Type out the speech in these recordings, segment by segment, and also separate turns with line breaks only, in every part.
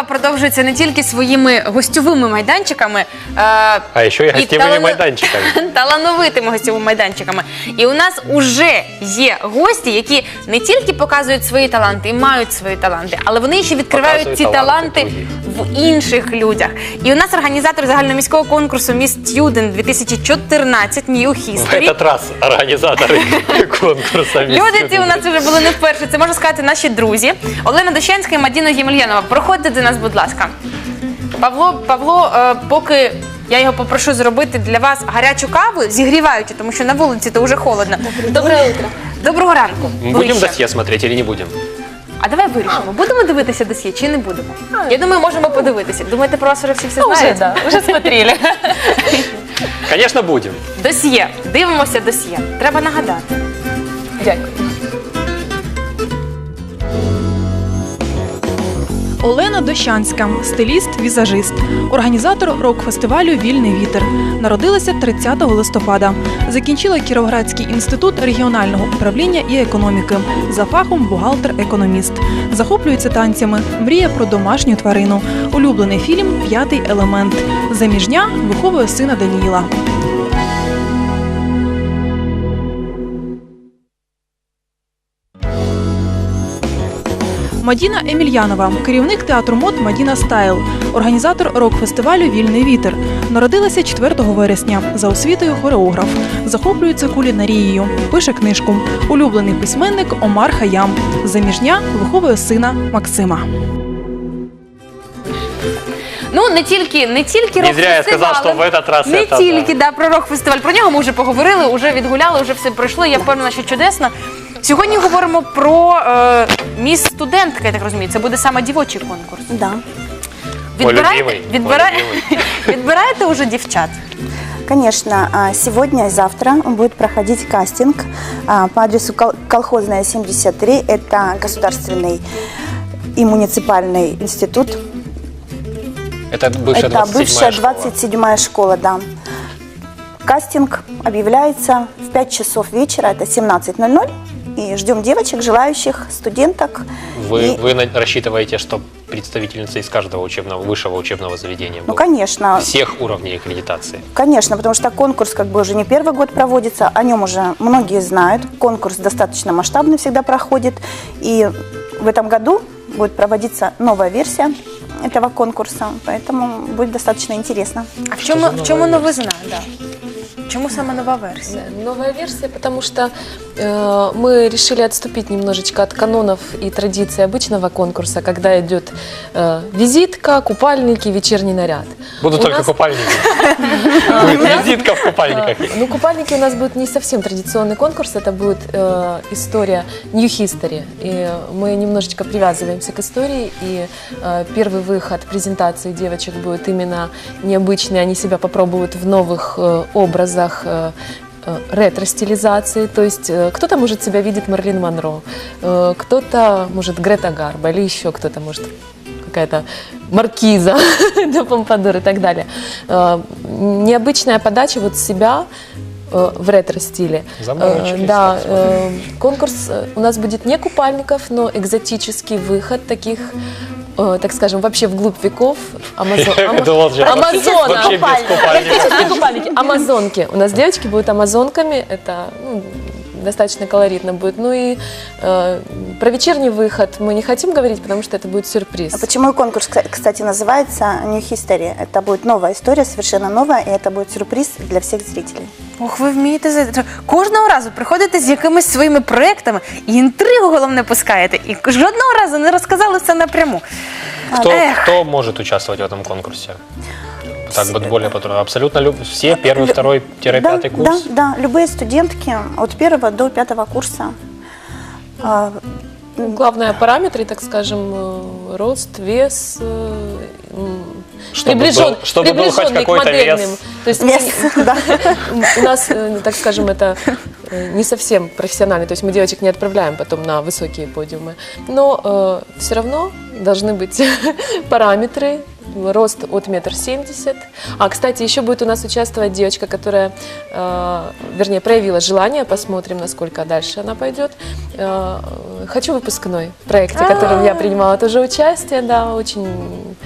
продовжується не тільки своїми гостьовими майданчиками,
а ще й гостєвими майданчиками.
Талановитими гостьовими майданчиками. І у нас уже є гості, які не тільки показують свої таланти і мають свої таланти, але вони ще відкривають ці таланти в інших людях. І у нас організатор загальноміського конкурсу Miss Student 2014 New History.
В этот раз організатори конкурсу Miss
Люди ці
Student.
у нас вже були не вперше, це можна сказати наші друзі. Олена Дощанська і Мадіна Ємельянова. Проходьте до нас, будь ласка. Павло, поки я його попрошу зробити для вас гарячу каву, зігріваючи, тому що на вулиці то вже холодно.
Доброе утро.
Доброго ранку.
Будем досье смотреть или не будем?
А давай вирішимо, будемо дивитися досьє чи не будемо? Я думаю, можемо подивитися. Думаєте, про вас вже всі
Уже,
знають?
да, уже смотрели.
Конечно, будем.
Досьє. Дивимося досьє. Треба нагадати.
Дякую.
Олена Дощанська, стиліст-візажист, організатор рок-фестивалю «Вільний вітер». Народилася 30 листопада. Закінчила Кіровоградський інститут регіонального управління і економіки. За фахом бухгалтер-економіст. Захоплюється танцями, мріє про домашню тварину. Улюблений фільм «П'ятий елемент». Заміжня, виховує сина Даніїла. Мадіна Емельянова, керівник театру мод «Мадіна Стайл», організатор рок-фестивалю «Вільний вітер». Народилася 4 вересня. За освітою хореограф. Захоплюється кулінарією. Пише книжку. Улюблений письменник Омар Хаям. Заміжня, виховує сина Максима.
Ну, не тільки
Не зря я сказав, що в этот раз
не
це,
тільки про рок-фестиваль. Про нього ми вже поговорили, вже відгуляли, вже все пройшло. Я впевнена, що чудесно. Сьогодні говоримо про Міс Студентка, я так розумію. Це буде саме дівочий конкурс.
Да.
Відбираєте вже дівчат?
Конечно, сегодня и завтра будет проходить кастинг по адресу Колхозная, 73. Это государственный и муниципальный институт.
Это бывшая 27-я школа.
27-я школа, да. Кастинг объявляется в 5 часов вечера, это 17:00. И ждем девочек, желающих, студенток.
Вы рассчитываете, что представительницы из каждого высшего учебного заведения
Ну,
будут?
конечно.
Всех уровней аккредитации?
Конечно, потому что конкурс уже не первый год проводится, о нем уже многие знают. Конкурс достаточно масштабный всегда проходит. И в этом году будет проводиться новая версия этого конкурса, поэтому будет достаточно интересно.
А в чому новизна? Да. Чому саме нова версия?
Новая версия, потому что мы решили отступить немножечко от канонов и традиций обычного конкурса, когда идет визитка, купальники, вечерний наряд.
Будут только купальники. Будет визитка в купальниках.
Ну, купальники у нас будет не совсем традиционный конкурс, это будет история New History. И мы немножечко привязываемся к истории, и первый выход презентации девочек будет именно необычный, они себя попробуют в новых образах, ретро-стилизации, то есть кто-то, может, себя видит Мерлин Монро, кто-то, может, Грета Гарбо, или еще кто-то, может, какая-то маркиза до Помпадур и так далее. Необычная подача вот себя в ретро-стиле. Да, конкурс у нас будет не купальников, но экзотический выход таких, так скажем, вообще вглубь веков. Амазонки. У нас девочки будут амазонками, это достаточно колоритно будет. Ну и про вечерний выход мы не хотим говорить, потому что это будет сюрприз.
А почему конкурс, кстати, называется New History? Это будет новая история, совершенно новая, и это будет сюрприз для всех зрителей.
Ох, ви вмієте. Кожного разу приходите з якимись своїми проєктами і інтригу, головне, пускаєте. І жодного разу не розказали все напряму.
Кто может участвовать в этом конкурсе? Так вот более подробно. Абсолютно все, первый, второй, пятый курс?
Да, любые студентки от 1 до 5 курса.
Главное параметры, так скажем, рост, вес,
чтобы был хоть какой-то вес.
То есть у нас, так скажем, это не совсем профессионально, то есть мы девочек не отправляем потом на высокие подиумы, но все равно должны быть параметры, рост от 1,70 м. А, кстати, еще будет у нас участвовать девочка, которая, вернее, проявила желание, посмотрим, насколько дальше она пойдет. «Хочу выпускной» в проекте, в котором я принимала тоже участие, да, очень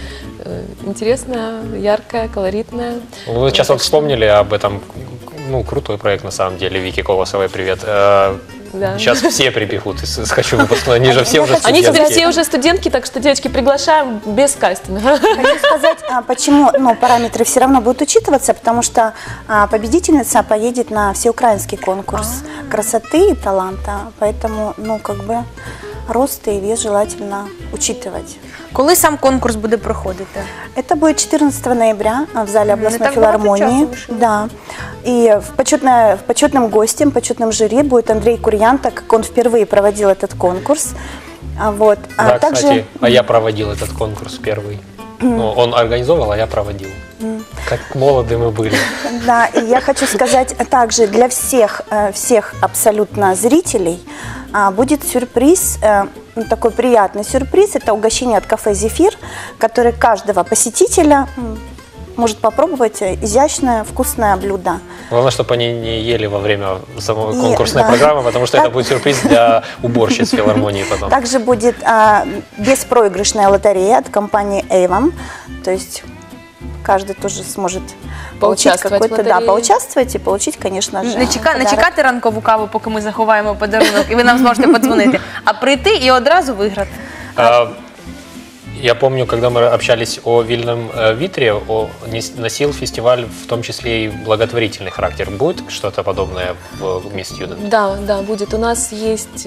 интересная, яркая, колоритная.
Вы сейчас вот вспомнили об этом, ну, крутой проект на самом деле, Вики Колосовой, привет.
Да.
Сейчас все прибегут из «Хочу выпускной», они же все уже
Они теперь
студентки.
все уже студентки, так что, девочки, приглашаем без кастинга.
Хочу сказать, почему параметры все равно будут учитываться, потому что победительница поедет на всеукраинский конкурс красоты и таланта, поэтому, рост и вес желательно учитывать.
Коли сам конкурс буде проходити?
Это будет 14 ноября в зале областной
так много
филармонии.
часу вышло.
Да. И почетным гостем, почетным жюри будет Андрей Курьян, так как он впервые проводил этот конкурс. Вот.
Да, кстати, я проводил этот конкурс первый. Ну, он организовал, а я проводил. Как молоды мы были.
Да, и я хочу сказать также для всех абсолютно зрителей будет сюрприз, такой приятный сюрприз. Это угощение от кафе «Зефир», который каждого посетителя может попробовать изящное, вкусное блюдо.
Главное, чтобы они не ели во время самой
И,
конкурсной
да.
программы, потому что это будет сюрприз для уборщиц филармонии потом.
Также будет беспроигрышная лотерея от компании Avon. То есть каждый тоже сможет получить
Поучаствовать в
какой-то,
лотерее.
поучаствовать и получить, конечно же,
Не
подарок.
чекати ранкову каву, поки ми заховаємо подарунок, і ви нам зможете подзвонити, а прийти і одразу виграти.
Я помню, когда мы общались о Вильном Витре, носил фестиваль в том числе и благотворительный характер. Будет что-то подобное в Miss Student?
Да, будет. У нас есть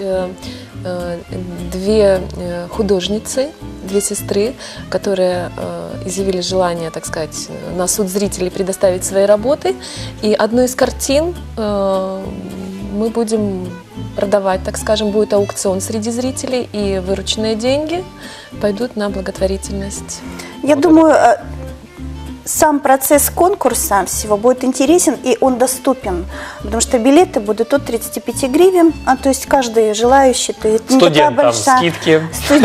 две художницы, две сестры, которые изъявили желание, так сказать, на суд зрителей предоставить свои работы. И одну из картин мы будем продавать, так скажем, будет аукцион среди зрителей, и вырученные деньги пойдут на благотворительность.
Я думаю, сам процесс конкурса всего будет интересен, и он доступен, потому что билеты будут от 35 гривен, то есть каждый желающий, то есть не такая
Студентам
большая...
скидки.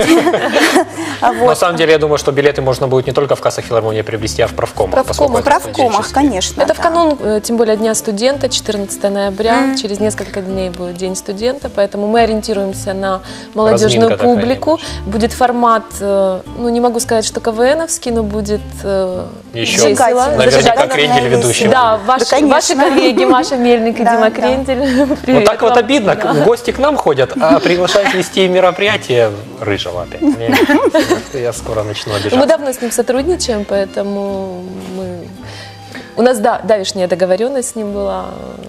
На самом деле, я думаю, что билеты можно будет не только в кассах филармонии приобрести, а в правкомах.
Правкомах.
В правкомах, конечно.
Это в
да.
канун, тем более, Дня студента, 14 ноября. Через несколько дней будет День студента, поэтому мы ориентируемся на молодежную
Разминка такая
публику.
немножко.
Будет формат, не могу сказать, что КВНовский, но будет
Еще
весело.
наверняка
Зажигательно
Крендель ведущий.
Да, ваши
конечно.
коллеги, Маша Мельник и
Да,
Дима
да.
Крендель.
Ну
Привет
так вот
вам.
обидно,
Да.
гости к нам ходят, а приглашать вести мероприятие Рыжего опять. Я скоро начну
Мы
обижаться.
давно с ним сотрудничаем, поэтому у нас, да, давешняя договоренность с ним была.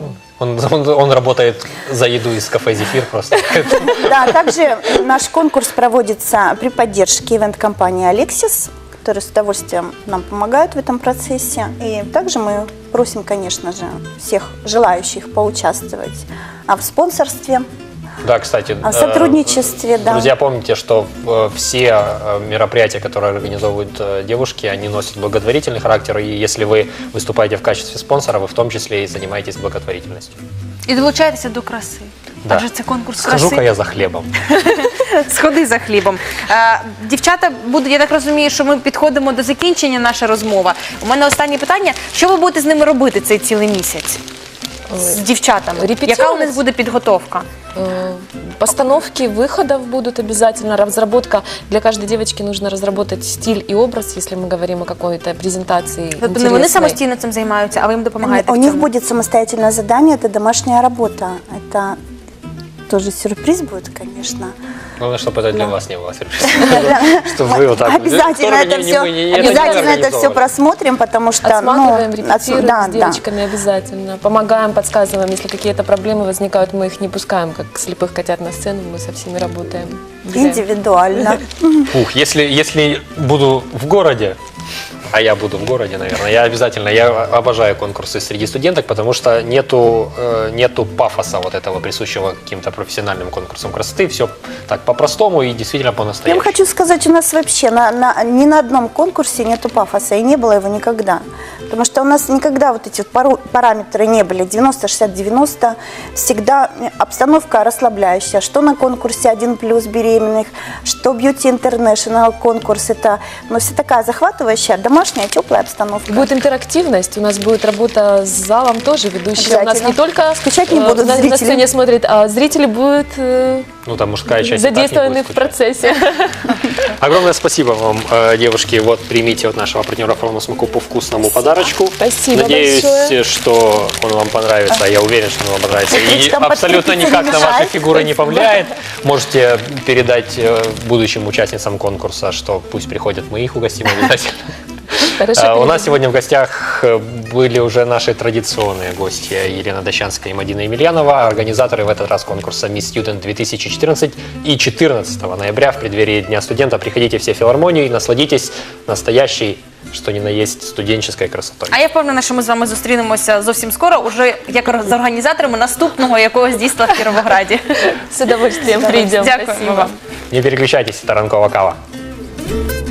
Он работает за еду из кафе «Зефир» просто.
Да, также наш конкурс проводится при поддержке ивент-компании «Алексис», которые с удовольствием нам помогают в этом процессе. И также мы просим, конечно же, всех желающих поучаствовать в спонсорстве,
Да, кстати.
в сотрудничестве. Да.
Друзья, помните, что все мероприятия, которые организовывают девушки, они носят благотворительный характер. И если вы выступаете в качестве спонсора, вы в том числе и занимаетесь благотворительностью.
І долучайтеся до краси.
Да.
Адже це конкурс
Схожу-ка
краси.
я за хлебом.
Сходи за хлібом. Дівчата, я так розумію, що ми підходимо до закінчення наша розмова. У мене останнє питання. Що ви будете з ними робити цей цілий місяць? З дівчатами?
Репетировать.
Яка у них буде підготовка?
Постановки выходов будут обязательно, разработка. Для каждой девочки нужно разработать стиль и образ, если мы говорим о какой-то презентации
Тобто не вони
интересной.
самостійно цим займаються, а ви їм допомагаєте
У
в
них
цьому?
будет самостоятельное задание, это домашняя работа. Это тоже сюрприз будет, конечно.
Главное, чтобы это для вас не было сюрпризом. Чтобы вы вот так вот,
Обязательно
«Тоже
это
не
все,
мы, не это
обязательно
не
это все
организовывали».
просмотрим, потому что
Отсматриваем, репетируем
да,
с девочками обязательно. Помогаем, подсказываем. Если какие-то проблемы возникают, мы их не пускаем, как слепых котят на сцену. Мы со всеми работаем.
индивидуально.
Ух, если буду в городе, а я буду в городе, наверное, я обожаю конкурсы среди студенток, потому что нету пафоса вот этого, присущего каким-то профессиональным конкурсам красоты. Все так по-простому и действительно
Я вам
по-настоящему.
хочу сказать, у нас вообще ни на одном конкурсе нету пафоса, и не было его никогда. Потому что у нас никогда вот эти вот параметры не были 90-60-90. Всегда обстановка расслабляющая. Что на конкурсе 1+ беременных, что Beauty International конкурс. Это все такая захватывающая, домашняя, теплая обстановка.
Будет интерактивность, у нас будет работа с залом тоже, ведущие. У нас
Обязательно.
не только
Скучать не будут
на
зрители.
сцене смотрят, а зрители будут
Ну, там мужская часть и так не
задействованы
будет
в
скучать.
процессе.
Огромное спасибо вам, девушки. Вот примите от нашего партнера «Форум Смаку» по вкусному подарочку.
Спасибо
Надеюсь,
большое.
что он вам понравится. Я уверен, что он вам понравится. И
Там
абсолютно
подкрепиться
никак
не
на ваши
мешает.
фигуры не повлияет. Можете передать будущим участницам конкурса, что пусть приходят, мы их угостим обязательно.
Хорошо,
У
передадим.
нас сегодня в гостях были уже наши традиционные гости Елена Дощанская и Мадина Емельянова, организаторы в этот раз конкурса Miss Student 2014. И 14 ноября в преддверии Дня студента приходите все в филармонию и насладитесь настоящей, що ні на єсть, студенческой красотою.
А я впевнена, що ми з вами зустрінемося зовсім скоро, уже як з організаторами наступного якогось дійства в Кіровограді.
С удовольствием придем.
Дякуємо
Спасибо.
вам.
Не переключайтесь, это ранкова кава.